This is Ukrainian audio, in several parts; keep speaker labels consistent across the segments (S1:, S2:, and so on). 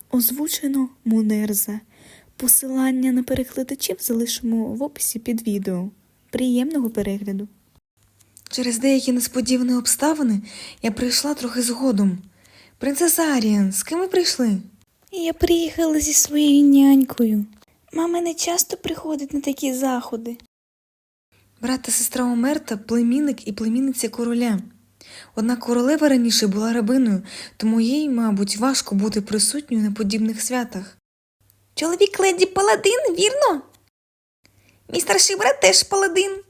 S1: Озвучено Мунерза. Посилання на перекладачів залишимо в описі під відео. Приємного перегляду.
S2: Через деякі несподівані обставини я прийшла трохи згодом. Принцеса Аріан, з ким ви прийшли?
S1: Я приїхала зі своєю нянькою. Мама не часто приходить на такі заходи.
S2: Брат та сестра Омерта – племінник і племінниця короля. Однак королева раніше була рабиною, тому їй, мабуть, важко бути присутньою на подібних святах. Чоловік леді паладин, вірно? Мій старший брат теж паладин.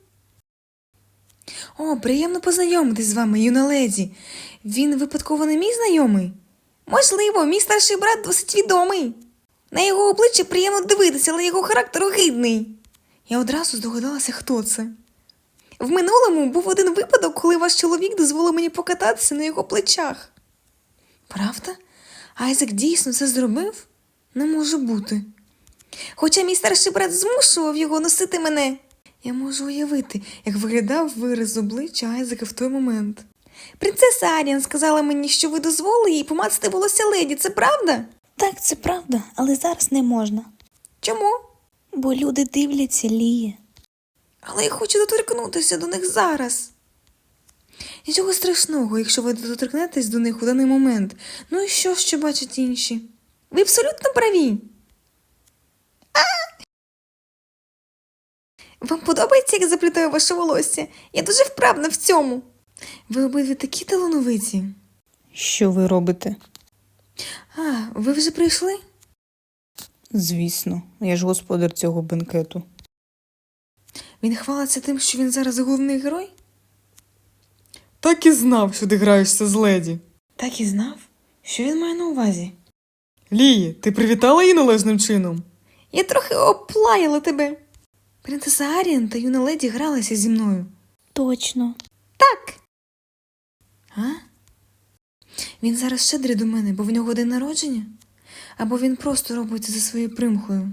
S2: О, приємно познайомитись з вами, юна леді. Він випадково не мій знайомий? Можливо, мій старший брат досить відомий. На його обличчя приємно дивитися, але його характер огидний. Я одразу здогадалася, хто це. В минулому був один випадок, коли ваш чоловік дозволив мені покататися на його плечах. Правда? Айзек дійсно це зробив? Не може бути. Хоча мій старший брат змушував його носити мене. Я можу уявити, як виглядав вираз обличчя Айзека в той момент. Принцеса Аріан сказала мені, що ви дозволили їй помацати волосся леді, це правда?
S1: Так, це правда, але зараз не можна.
S2: Чому?
S1: Бо люди дивляться, Ліє.
S2: Але я хочу доторкнутися до них зараз. Нічого страшного, якщо ви доторкнетесь до них у даний момент. Ну і що бачать інші? Ви абсолютно праві. Вам подобається, як я заплітаю ваше волосся? Я дуже вправна в цьому. Ви обидві такі талановиті.
S1: Що ви робите?
S2: Ви вже прийшли?
S1: Звісно, я ж господар цього бенкету.
S2: Він хвалиться тим, що він зараз головний герой? Так і знав, що ти граєшся з леді. Так і знав? Що він має на увазі? Лії, ти привітала її належним чином? Я трохи оплаяла тебе. Принцеса Аріан та юна леді гралися зі мною.
S1: Точно.
S2: Так. Він зараз щедрий до мене, бо в нього день народження? Або він просто робить це за своєю примхою?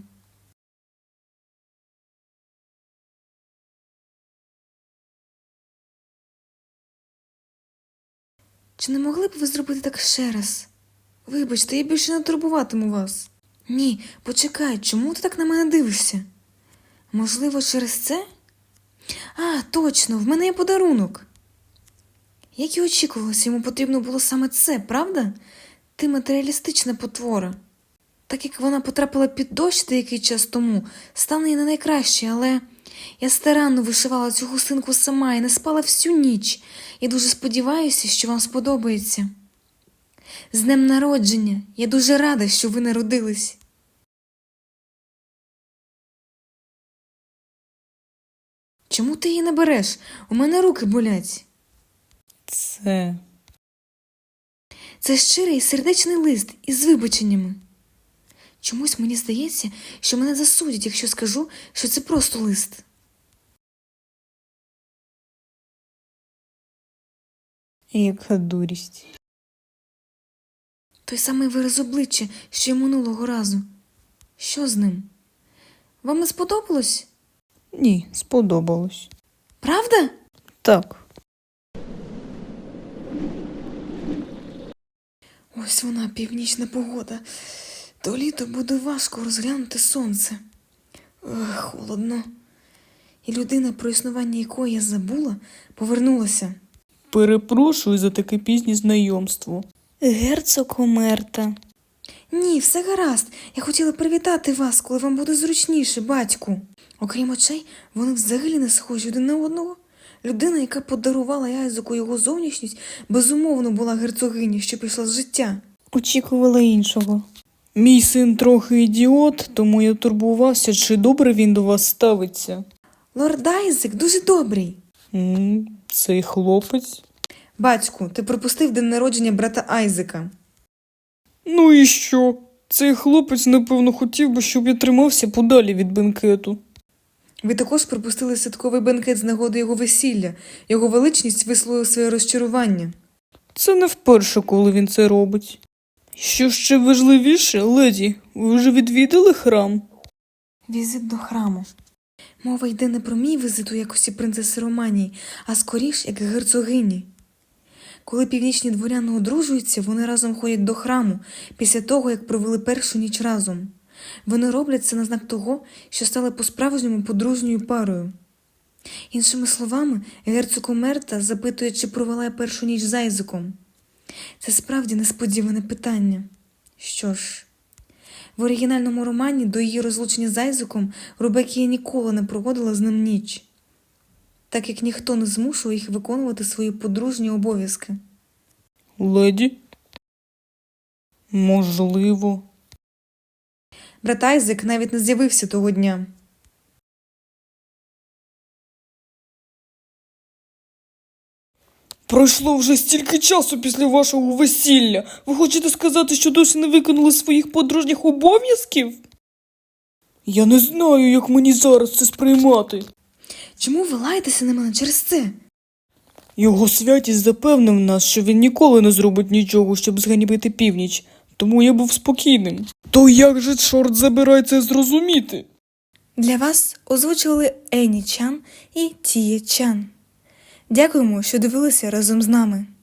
S2: Чи не могли б ви зробити так ще раз? Вибачте, я більше не турбуватиму вас. Ні, почекай, чому ти так на мене дивишся? Можливо, через це? Точно, в мене є подарунок. Як і очікувалося, йому потрібно було саме це, правда? Ти матеріалістична потвора. Так як вона потрапила під дощ деякий час тому, стане їй не найкраще, але я старанно вишивала цю гусинку сама і не спала всю ніч. І дуже сподіваюся, що вам сподобається. З днем народження! Я дуже рада, що ви народились. Чому ти її не береш? У мене руки болять. Це щирий сердечний лист із вибаченнями. Чомусь мені здається, що мене засудять, якщо скажу, що це просто лист.
S1: Яка дурість.
S2: Той самий вираз обличчя, що й минулого разу. Що з ним? Вам не сподобалось?
S1: Ні, сподобалось.
S2: Правда?
S1: Так.
S2: Ось вона, північна погода. То літо буде важко розглянути сонце. Холодно. І людина, про існування якої я забула, повернулася.
S1: Перепрошую за таке пізнє знайомство. Герцог Омерта.
S2: Ні, все гаразд. Я хотіла привітати вас, коли вам буде зручніше, батьку. Окрім очей, вони взагалі не схожі один на одного. Людина, яка подарувала Айзеку його зовнішність, безумовно була герцогиня, що пішла з життя.
S1: Очікувала іншого. Мій син трохи ідіот, тому я турбувався, чи добре він до вас ставиться.
S2: Лорд Айзек дуже добрий.
S1: Цей хлопець?
S2: Батьку, ти пропустив день народження брата Айзека.
S1: Ну і що? Цей хлопець, напевно, хотів би, щоб я тримався подалі від бенкету.
S2: Ви також пропустили святковий бенкет з нагоди його весілля. Його величність висловив своє розчарування.
S1: Це не вперше, коли він це робить. Що ще важливіше, леді, ви вже відвідали храм?
S2: Візит до храму. Мова йде не про мій візит у якості принцеси Романії, а скоріш як герцогині. Коли північні дворяни одружуються, вони разом ходять до храму після того, як провели першу ніч разом. Вони роблять це на знак того, що стали по-справжньому подружньою парою. Іншими словами, герцог Омерта запитує, чи провела я першу ніч з Айзеком. Це справді несподіване питання. Що ж, в оригінальному романі до її розлучення з Айзеком Рубекія ніколи не проводила з ним ніч, так як ніхто не змушував їх виконувати свої подружні обов'язки.
S3: Леді? Можливо.
S2: Брат Айзек навіть не з'явився того дня.
S3: Пройшло вже стільки часу після вашого весілля. Ви хочете сказати, що досі не виконали своїх подружніх обов'язків? Я не знаю, як мені зараз це сприймати.
S2: Чому ви лаєтеся на мене через це?
S3: Його святість запевнив нас, що він ніколи не зробить нічого, щоб зганьбити північ, тому я був спокійним. То як же, чорт забирай, це зрозуміти?
S1: Для вас озвучували Ені Чан і Тіє Чан. Дякуємо, що дивилися разом з нами.